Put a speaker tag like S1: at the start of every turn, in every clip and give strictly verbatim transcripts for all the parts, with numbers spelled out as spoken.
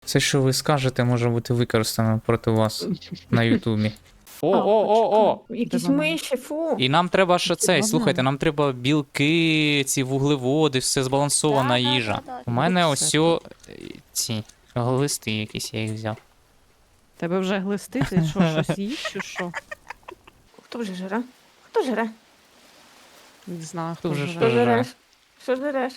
S1: Все, що ви скажете, може бути використано проти вас на Ютубі. О, о, о, о!
S2: Якісь
S3: Де вона?
S2: миші, фу.
S1: І нам треба ще цей,
S3: Ладно.
S1: слухайте, нам треба білки, ці вуглеводи, все збалансована
S4: Да, да,
S1: їжа.
S4: да, да.
S1: У мене
S3: Все
S1: ось о, ці глисти якісь, я їх взяв.
S3: Тебе вже глисти, ти що, щось їш чи що?
S2: Хто вже жре? Хто жре?
S3: Не знаю,
S1: Хто
S3: хто
S1: вже
S3: вже.
S1: що?
S2: Що
S1: жре?
S2: жреш? Що жреш?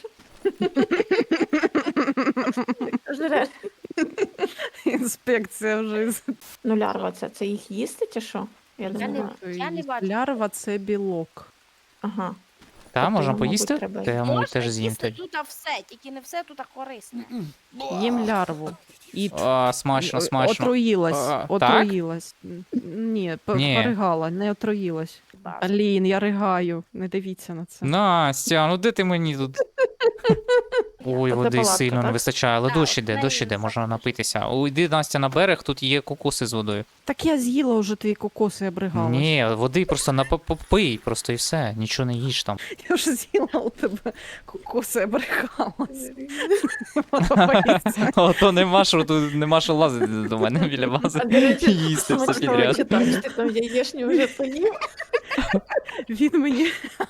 S2: Що жреш?
S3: Інспекція вже. із-
S2: Ну, лярва це, це їх їсти чи що? Я
S4: Я
S2: думаю,
S4: не- Я бачу.
S3: Лярва це білок.
S2: ага.
S1: Та,
S2: Тобто
S1: можна
S2: йому,
S1: поїсти?
S2: мабуть, треба
S1: Та я, мабуть,
S4: Можна
S1: теж з'їм
S4: їсти
S1: тоді.
S4: тут все, тільки не все тут корисне.
S3: Їм лярву. І
S1: А, смачно,
S3: О-
S1: смачно.
S3: Отруїлась.
S1: А,
S3: Отруїлась. Ні, п-
S1: Ні.
S3: поригала, не отруїлась. Алін, я ригаю. Не дивіться на це.
S1: Настя, ну де ти мені тут? Ой,
S2: Оце
S1: води
S2: палатка,
S1: сильно не
S2: так?
S1: вистачає, але
S4: Так,
S1: дощ іде,
S4: в
S1: дощ
S4: неї
S1: іде, можна
S4: запах.
S1: напитися. О, йди, Настя, на берег, тут є кокоси з водою.
S3: Так я з'їла вже твої кокоси, я бригалась.
S1: Ні, води просто напопий, просто і все, нічого не їж там.
S3: Я вже з'їла у тебе кокоси, я бригалась.
S1: А то нема що, тут нема що лазити до мене біля бази.
S2: А, до речі,
S1: Їсти все
S2: смачного
S1: підряд.
S2: читаєш, ти там яєшню вже поїв.
S3: Він мені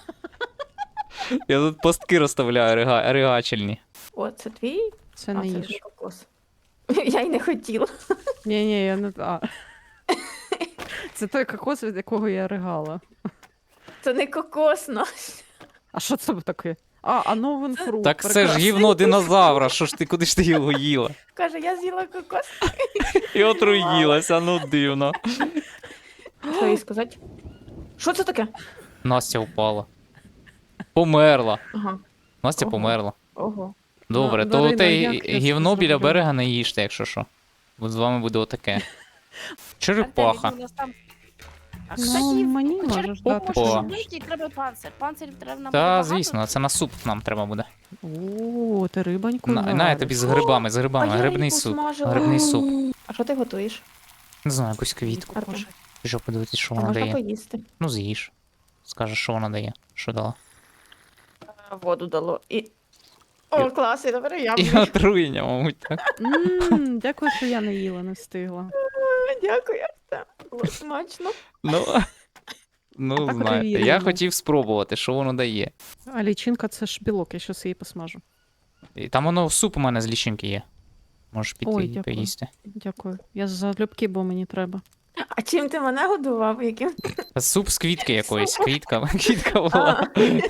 S1: Я тут постки розставляю рига... ригачельні.
S2: О, це твій?
S3: це
S2: А,
S3: не
S2: це
S3: їж.
S2: вже кокос. Я й не хотіла.
S3: Ні, ні, я не а. Це той кокос, від якого я ригала.
S2: Це не кокос, Настя.
S3: А що це таке? А, а новин фрукт.
S1: Так це ж
S3: прекрасно.
S1: гівно динозавра, що ж ти, куди ж ти його їла?
S2: Каже, я з'їла кокос.
S1: І отруїлася, ну дивно.
S2: Що їй сказати? Що це таке?
S1: Настя впала. Померла.
S2: Ага.
S1: Настя
S2: Ого.
S1: померла.
S2: Ого.
S1: Добре,
S3: Ну,
S1: то
S3: Дарина,
S1: те
S3: як я
S1: гівно
S3: це
S1: біля
S3: зроблю?
S1: берега не їжте, якщо що. Бо з вами буде отаке. Черепаха.
S4: Артемій, у нас там- А,
S3: Ну,
S4: кстати,
S3: мені
S4: черепаху
S3: можеш дати.
S4: можна
S1: О.
S4: вбити, і треба панцир. Панцирів треба нам
S1: Та,
S4: багато.
S1: звісно, це на суп нам треба буде.
S3: О, ти рибоньку
S1: На, на я
S3: вариш.
S1: тобі з грибами, з грибами,
S2: А я
S1: грибний
S2: її
S1: суп.
S2: посмажила.
S1: Грибний суп.
S2: А що ти готуєш?
S1: Не знаю, якусь квітку.
S2: Артем,
S1: Що подивитись, що
S2: а
S1: вона
S2: можна
S1: дає.
S2: поїсти.
S1: Ну, з'їж. Скажеш, що вона дає. Що дала?
S2: Воду дало. І... О, клас, і тепер я
S1: І
S2: буду.
S1: отруєння, мабуть, так.
S3: М, Дякую, що я не їла, не встигла.
S2: Дякую, Артем. Було смачно.
S1: Ну, ну
S3: так
S1: знаєте, я
S3: перевірено.
S1: хотів спробувати, що воно дає.
S3: А лічинка це ж білок, я щось її посмажу.
S1: І там воно суп у мене з лічинки є. Можеш піти
S3: Ой,
S1: і
S3: дякую.
S1: поїсти.
S3: Дякую. Я залюбки, бо мені треба.
S2: А чим ти мене годував? Яким?
S1: Суп з квітки якоїсь. Квітка, квітка була.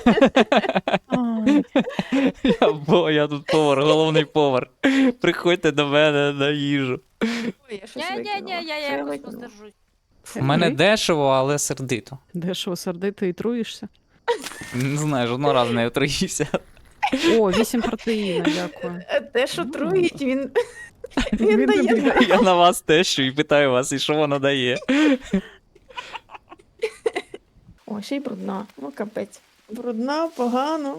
S3: Ай,
S1: Я, бо, я тут повар, головний повар. Приходьте до мене на їжу.
S2: Ой, я щось
S4: Ні, ні, ні,
S2: викинула.
S4: я
S2: Що
S4: якось
S2: викинула?
S4: воздержусь.
S1: У мене
S3: Окей.
S1: дешево, але сердито.
S3: Дешево сердити і труїшся.
S1: Не знаю, жодного разу не отруївся.
S3: О, вісім протеїна, дякую.
S2: Е, Те, що труїть, він...
S3: Він
S2: Він дає.
S3: тобі дає.
S1: Я на вас тещу і питаю вас, і що воно дає.
S2: О, ще й брудна. Ну, капець. Брудна, погано.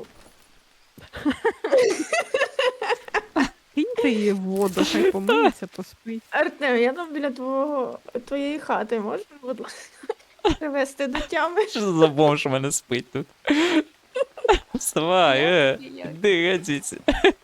S3: Киньте її в воду, хай помиється, поспить.
S2: Артем, я там біля твого, твоєї хати, можеш, будь ласка, привезти до тями?
S1: Що за бомж у мене спить тут? Вставай, е, іди геть звідси.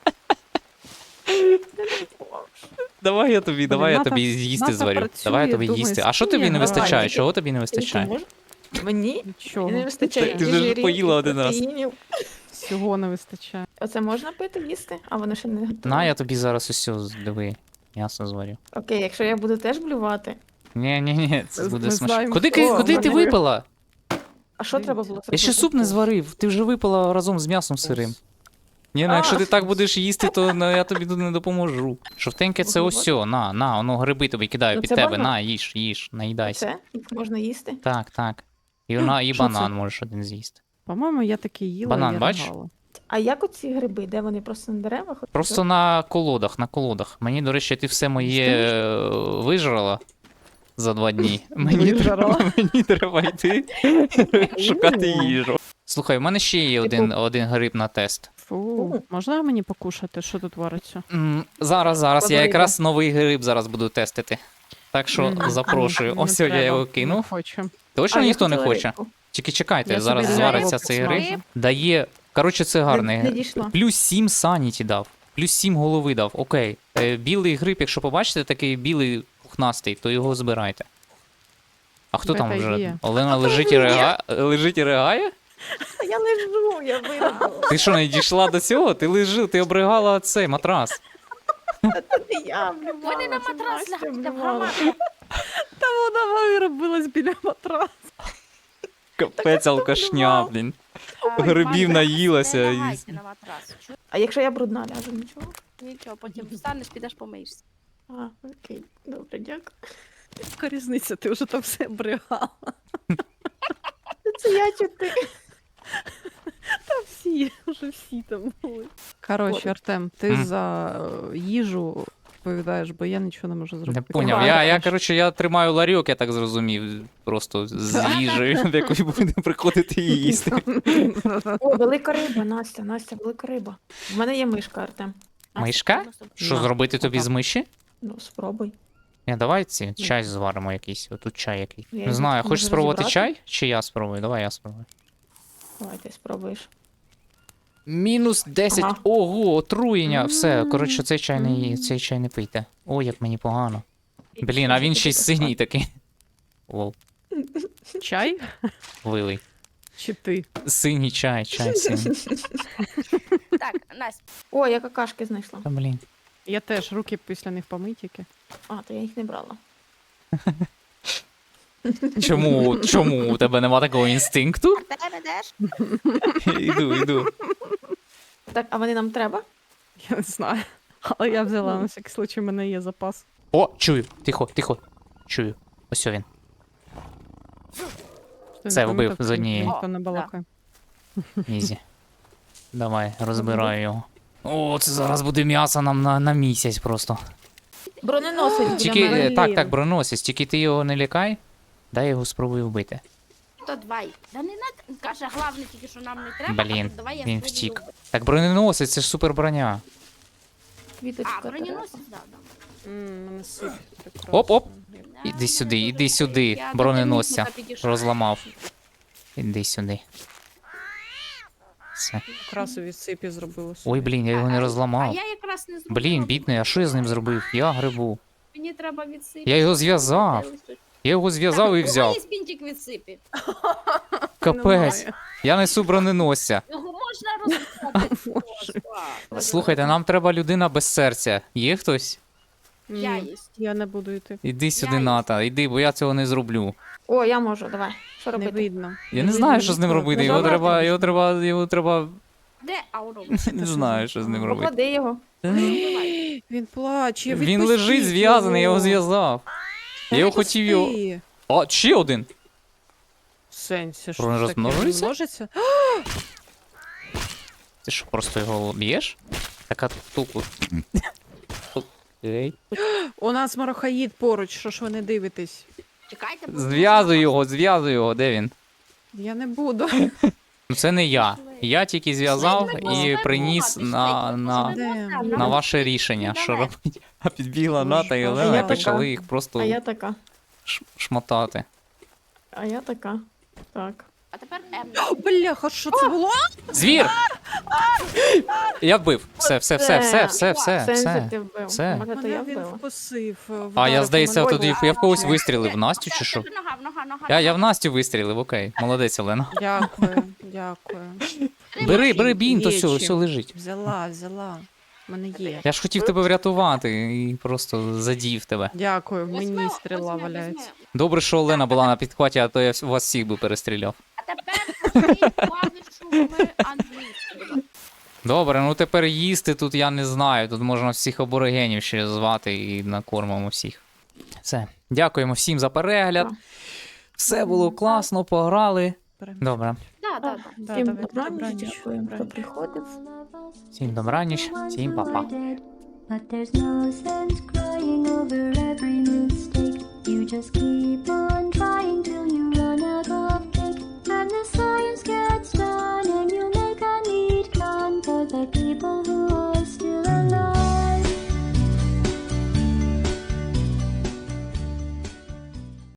S1: Давай я тобі, давай я
S3: Ната-
S1: тобі їсти
S3: Ната
S1: зварю.
S3: працює,
S1: Давай я тобі
S3: думає,
S1: їсти. А що
S3: скинь
S1: тобі
S3: я
S1: не
S3: граю.
S1: вистачає?
S2: Тільки-
S1: Чого тобі не вистачає?
S2: Тільки мож- Мені
S3: Нічого.
S2: не вистачає
S1: Ти
S2: і
S1: вже ж
S2: жирів,
S1: поїла
S2: і
S1: один раз.
S2: протеїнів.
S3: Всього не вистачає.
S2: Оце можна пити, їсти? А воно ще не готове.
S1: На, я тобі зараз усе, диви, м'ясо зварю.
S2: Окей, якщо я буду теж блювати.
S1: Ні, ні, ні, це
S3: Ми
S1: буде смачно.
S3: знаємо,
S1: Куди,
S3: хто.
S1: куди ти
S2: Вони-
S1: випила?
S2: А що треба
S3: Дивіться.
S2: було
S1: Я ще
S2: зробити?
S1: суп не зварив, ти вже випила разом з м'ясом сирим. Ні, ну
S2: А.
S1: якщо ти так будеш їсти, то ну, я тобі тут не допоможу. Жовтеньке це ось, на, на, воно гриби тобі кидаю
S2: Ну,
S1: під
S2: це
S1: тебе,
S2: банан.
S1: на, їж, їж, наїдайся.
S2: Це? Їх можна їсти?
S1: Так, так. І вона, і
S3: Що
S1: банан
S3: це?
S1: можеш один з'їсти.
S3: По-моєму, я таки їла
S1: Банан,
S3: і я
S1: бачиш?
S3: ригала.
S2: А як оці гриби? Де вони просто на деревах?
S1: Просто на колодах, на колодах. Мені, до речі, ти все моє е, вижрала за два дні. Мені треба,
S3: Вижрала?
S1: мені треба йти шукати
S3: О.
S1: їжу. Слухай, у мене ще є
S2: Типу-
S1: один, один гриб на тест.
S3: Фу, можна мені покушати, що тут вариться?
S1: М, Зараз, зараз, я
S2: Подойде.
S1: якраз новий гриб зараз буду тестити. Так що
S3: Мгм.
S1: запрошую.
S3: Не
S1: Ось я
S3: треба,
S1: його
S3: Не
S1: кинув.
S3: хочу.
S1: Точно
S2: А, я
S1: ніхто не
S2: хотіла
S1: хоче?
S2: рибку.
S1: Тільки чекайте,
S3: собі
S1: зараз
S3: рибу
S1: звариться цей
S3: посмажу.
S1: гриб. Дає. Коротше, це гарний
S2: Не, не
S1: гриб.
S2: дійшла.
S1: Плюс сім саніті дав. Плюс сім голови дав. Окей. Е, білий гриб, якщо побачите, такий білий пухнастий, то його збирайте. А хто там
S3: Це
S1: вже?
S3: є.
S1: Олена лежить і реагає? Лежить і реагає?
S2: Я лежу, я виробила.
S1: Ти що, не дійшла до цього? Ти лежи, ти обригала цей матрас.
S2: Це я
S4: Вони
S2: вливала,
S4: на
S2: це
S4: матрас
S2: Настя
S4: лягайте в
S2: вливала.
S4: громаду.
S3: Та вона виробилась біля матраса.
S1: Капець алкашня, блін. Грибів
S4: Матрас,
S1: наїлася
S4: не
S1: і-
S4: лягайте на матрас. Чу-
S2: А якщо я брудна ляжу, нічого?
S4: Нічого, потім встанеш, підеш помиєшся.
S2: А, окей, добре, дякую.
S3: Яка різниця, ти вже там все обригала.
S2: Це я чи ти?
S3: Та всі, вже всі там були. Коротше,
S2: От.
S3: Артем, ти
S1: М.
S3: за е, їжу відповідаєш, бо я нічого не можу
S1: Не
S3: зробити.
S1: поняв. Я, я, коротше, я тримаю ларьок, я так зрозумів. Просто з їжею, в яку буде приходити і їсти.
S2: О, велика риба, Настя, Настя, велика риба. В мене є мишка, Артем.
S1: Мишка? Що
S3: На,
S1: зробити тобі з миші?
S2: Ну, спробуй.
S1: Ні, давай ці чай зваримо якийсь. Отут чай який.
S2: Я
S1: Не
S2: його
S1: знаю,
S2: можу
S1: хочеш спробувати
S2: розібрати?
S1: чай? Чи я спробую? Давай я спробую.
S2: Давай, ти спробуєш.
S1: Мінус десять.
S2: Ага.
S1: Ого, отруєння. Все,
S3: М.
S1: коротше, цей чай не ї-
S3: М.
S1: цей чай не пийте. О, як мені погано. Блін, а він ще й синій такий. Лол,
S3: Чай?
S1: вилий.
S3: Чи ти?
S1: Синій чай, чай синій.
S4: Так, Настя,
S2: О, я какашки знайшла.
S1: Та блін.
S3: Я теж руки після них помитіки.
S2: А, то я їх не брала.
S1: Чому, чому у тебе нема такого інстинкту?
S4: ти ведеш?
S1: Іду, іду.
S2: Так, а вони нам треба?
S3: Я не знаю. Але я взяла на всякий случай, у мене є запас.
S1: О, чую. Тихо, тихо. Чую. Ось він.
S3: Ти
S1: Це
S3: не
S1: вбив
S3: помітив,
S1: з
S3: що
S1: однієї.
S3: Ніхто не балакає.
S1: Ізі. Давай, розбираю його. О, це зараз буде м'ясо нам на, на місяць просто.
S2: Броненосець для
S1: Тільки,
S2: мене.
S1: е, так,
S3: Блін.
S1: так, броносець, тільки ти його не лякай. Дай я його спробую вбити.
S4: То давай. Да не надо. Каже, головне тільки, що нам не треба.
S1: Блін,
S4: а то давай я
S1: він
S4: спробую
S1: втік.
S4: вбити.
S1: Так броненосець, це ж супер броня.
S2: Квіточка
S4: А, броненосець, да, да.
S3: М, мене сип прекрасно.
S1: Оп-оп.
S4: Да,
S1: Іди сюди,
S4: дуже
S1: іди
S4: добре.
S1: сюди,
S4: Я до
S1: броненосця.
S4: термітника підійшла.
S1: Розламав. Іди сюди. Все.
S3: Якраз від сипі зробилося.
S1: Ой, блін, я його не
S4: А
S1: розламав.
S4: я якраз не зробила.
S1: Блін, бідний, а що я з ним зробив? Я грибу.
S4: Мені треба відсипати.
S1: Я його зв'язав. Я його зв'язав і взяв.
S4: Ось бінтик відсипі.
S1: Капець. Я несу броненосця.
S4: Його можна розсипати.
S3: Боже.
S1: Слухайте, нам треба людина без серця. Є хтось?
S4: Я
S3: Ні,
S4: єсть.
S3: я не буду йти.
S1: Іди сюди,
S4: Я-
S1: Ната, іди, бо я цього не зроблю.
S2: О, я можу, давай. Що
S3: Не
S2: робити?
S3: видно.
S1: Я не знаю, що з ним робити. Його
S2: Нажимати
S1: треба, його
S3: можна.
S1: треба, його треба.
S4: Де Аурум?
S1: Не знаю, що з ним робити.
S2: Поклади його.
S3: Він плаче.
S1: Він лежить зв'язаний, я його зв'язав. Я його хотів його.
S3: Відпусти.
S1: О, ще один.
S3: В сенсі, що
S1: Він
S3: ж таке? Він
S1: розмножується?
S3: множиться?
S1: Ти що, просто його б'єш? Така тупо. Окей.
S3: У нас марохаїд поруч, що ж ви не дивитесь?
S4: Чекайте, бо-
S1: Зв'язуй його, зв'язуй його, де він?
S3: Я не буду.
S1: Ну це не я. Я тільки зв'язав
S4: Ми
S1: і
S4: не
S1: приніс
S4: можемо,
S1: на,
S4: ми
S1: на,
S4: не можемо,
S3: Де?
S1: на ваше рішення, що
S4: Давай.
S1: робити. А підбігла
S3: Боже,
S1: Ната і
S3: Боже.
S1: Олена
S2: Я
S1: і почали
S2: така.
S1: їх
S2: А
S1: просто
S2: я така.
S1: ш- шмотати.
S2: А я така. Так.
S4: А тепер М.
S3: Бляха, що це було?
S1: Звір! Я вбив. Все, все, все, все, все, все,
S2: Сенсі
S1: все.
S2: ти вбив.
S1: все.
S2: Може, то
S3: Мене
S2: я
S3: він
S2: вбила.
S3: вкусив.
S1: А я,
S3: вдарив
S1: здається,
S3: по мене.
S1: тоді я в когось вистрілив. В Настю чи що?
S4: Нога, нога, нога.
S1: Я, я в Настю вистрілив, окей. Молодець, Олена.
S3: Дякую, дякую.
S1: Бери, бери бінт, то
S3: Є
S1: все,
S3: чим.
S1: все лежить.
S3: Взяла, взяла. У мене є.
S1: Я ж хотів тебе врятувати і просто задів тебе.
S3: Дякую, в мені
S4: Возьми,
S3: стріла
S4: возьми,
S3: валяється.
S4: возьми.
S1: Добре, що Олена була на підхваті, а то я вс- вас всіх би перестріляв.
S4: А тепер повторіть клавішу ми англійською.
S1: Добре, ну тепер їсти тут я не знаю. Тут можна всіх аборигенів ще звати і накормимо всіх. Все. Дякуємо всім за перегляд.
S2: Так.
S1: Все було класно, пограли. Добре.
S4: Да, да, да.
S3: Да,
S2: Всім
S3: давайте,
S2: добраніч,
S3: добраніч,
S2: дякуємо, хто
S3: добраніч.
S2: приходив.
S1: Всім добраніч, всім па-па.
S5: But there's no sense crying over every mistake. You just keep on